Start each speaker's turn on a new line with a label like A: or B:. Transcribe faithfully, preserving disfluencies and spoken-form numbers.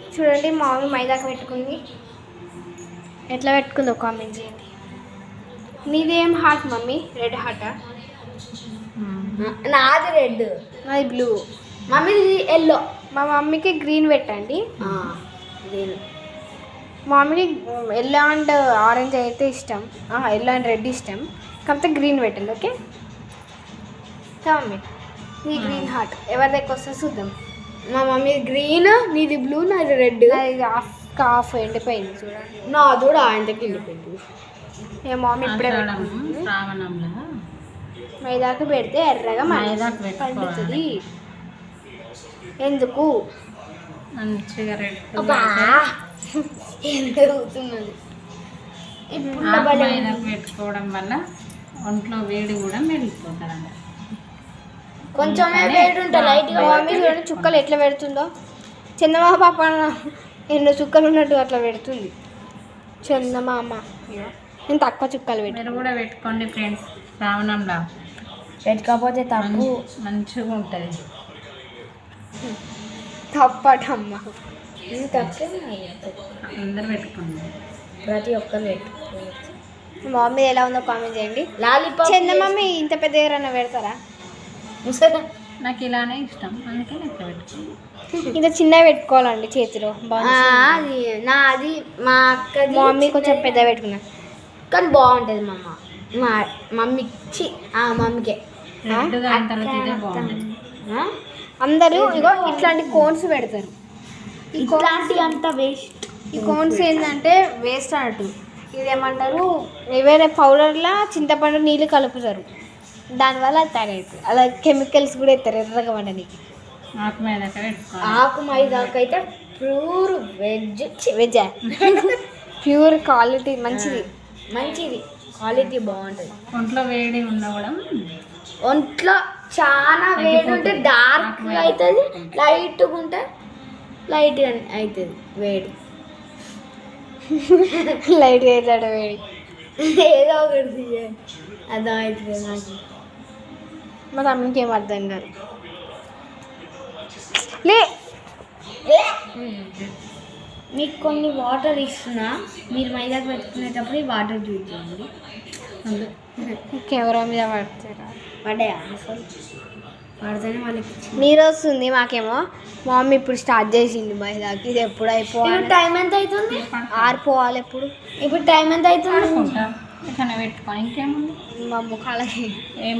A: చూడండి మా మమ్మీ మైదాకు పెట్టుకుంది. ఎట్లా పెట్టుకుందో కామెంట్ చేయండి. నీదేం హార్ట్ మమ్మీ? రెడ్ హార్టా?
B: నాది రెడ్,
A: నాది బ్లూ.
B: మమ్మీది ఎల్లో.
A: మా మమ్మీకి గ్రీన్ పెట్టండి.
B: గ్రీన్.
A: మా మమ్మీకి ఎల్లో అండ్ ఆరెంజ్ అయితే ఇష్టం, ఎల్లో అండ్ రెడ్ ఇష్టం, కాకపోతే గ్రీన్ పెట్టండి. ఓకే మమ్మీ, నీ గ్రీన్ హార్ట్ ఎవరి దగ్గర వస్తే చూద్దాం.
B: మా మమ్మీ గ్రీన్, నీది బ్లూ, నాది రెడ్.
A: ఇది హాఫ్ హాఫ్ ఎండిపోయింది చూడండి.
B: నాది కూడా ఆయన దగ్గర వెళ్ళిపోయింది.
A: ఏ మమ్మీ ఇప్పుడే
C: శ్రావణంలో
A: మైదాకు పెడితే ఎర్రగా
C: మైదాకు
A: పండుతుంది. ఎందుకు?
C: మంచిగా రెడ్
B: అవుతున్నది.
C: మైదాకు పెట్టుకోవడం వల్ల ఒంట్లో వేడి కూడా మెరిగిపోతారంట.
B: కొంచెమే వేడి ఉంటుంది లైట్గా.
A: మా మమ్మీ చూడండి చుక్కలు ఎట్లా పెడుతుందో. చందమామ పాప ఎన్నో చుక్కలు ఉన్నట్టు అట్లా పెడుతుంది చందమామ. నేను తక్కువ చుక్కలు పెట్టు.
C: మీరు కూడా పెట్టుకోండి ఫ్రెండ్స్, శ్రావణంలో
B: పెట్టుకోకపోతే తప్పు.
C: మంచిగా ఉంటుంది.
A: తప్పటమ్మ
B: తప్పే
C: అందరు పెట్టుకోండి,
B: ప్రతి ఒక్కరు పెట్టుకోవచ్చు.
A: మా మమ్మీ ఎలా ఉందో కామెంట్ చేయండి.
B: లాలీపాప్
A: చందమమ్మీ ఇంత పెద్ద ఏరైనా పెడతారా?
C: నాకు ఇలానే ఇష్టం, అందుకే నేను ఇట్లా పెట్టుకోండి.
A: ఇంత చిన్నగా పెట్టుకోవాలండి చేతిలో.
B: అది నాది మా అక్కది.
A: మా మమ్మీ కొంచెం పెద్ద పెట్టుకున్నా
B: కానీ బాగుంటుంది. మా అమ్మ మా మమ్మీకి ఆ మమ్మీకే
C: రెడ్గా అయిన తర్వాత ఇదే బాగుంటుంది.
A: అందరూ ఇగో ఇట్లాంటి కోన్స్ పెడతారు.
B: ఇట్లాంటి అంత వేస్ట్.
A: ఈ కోన్స్ ఏంటంటే వేస్ట్ అన్నట్టు. ఇదేమంటారు, వేరే పౌడర్లా చింతపండు నీళ్ళు కలుపుతారు, దానివల్ల అది తయారవుతుంది. అలా కెమికల్స్ కూడా ఇస్తారు ఎర్రగా వండడానికి.
C: ఆకు మైదాక పెట్టుకోవాలి.
B: ఆకు మైదాకు అయితే pure veg.
A: Veg pure quality, మంచిది
B: మంచిది, క్వాలిటీ బాగుంటుంది.
C: ఒంట్లో వేడి ఉన్నా కూడా
B: ఒంట్లో చాలా వేడి ఉంటే డార్క్ అవుతుంది, లైట్గా ఉంటే లైట్గా అవుతుంది వేడి.
A: లైట్గా అవుతాడు వేడి.
B: ఏదో ఒకటి అర్థం అవుతుంది నాకు.
A: మా తమ్మునికి ఏం అర్థం కాదు. లే
B: మీకు కొన్ని వాటర్ ఇస్తున్నా, మీరు మైదాకు పెట్టుకునేటప్పుడు ఈ వాటర్ చూపించండి.
A: కెమెరా మీద పడతారా?
B: పడ్డాయా అసలు? పడితేనే వాళ్ళకి
A: నీరు వస్తుంది మాకేమో. మా మమ్మీ ఇప్పుడు స్టార్ట్ చేసింది మైదాకి. ఇది ఎప్పుడు అయిపోవాలి?
B: టైం ఎంత అవుతుంది?
A: ఆరిపోవాలి ఎప్పుడు.
B: ఇప్పుడు టైం ఎంత అవుతుంది?
C: ఇట్లా పెట్టుకోని ఇంకేముంది
A: మా ముఖాలకి
C: ఏం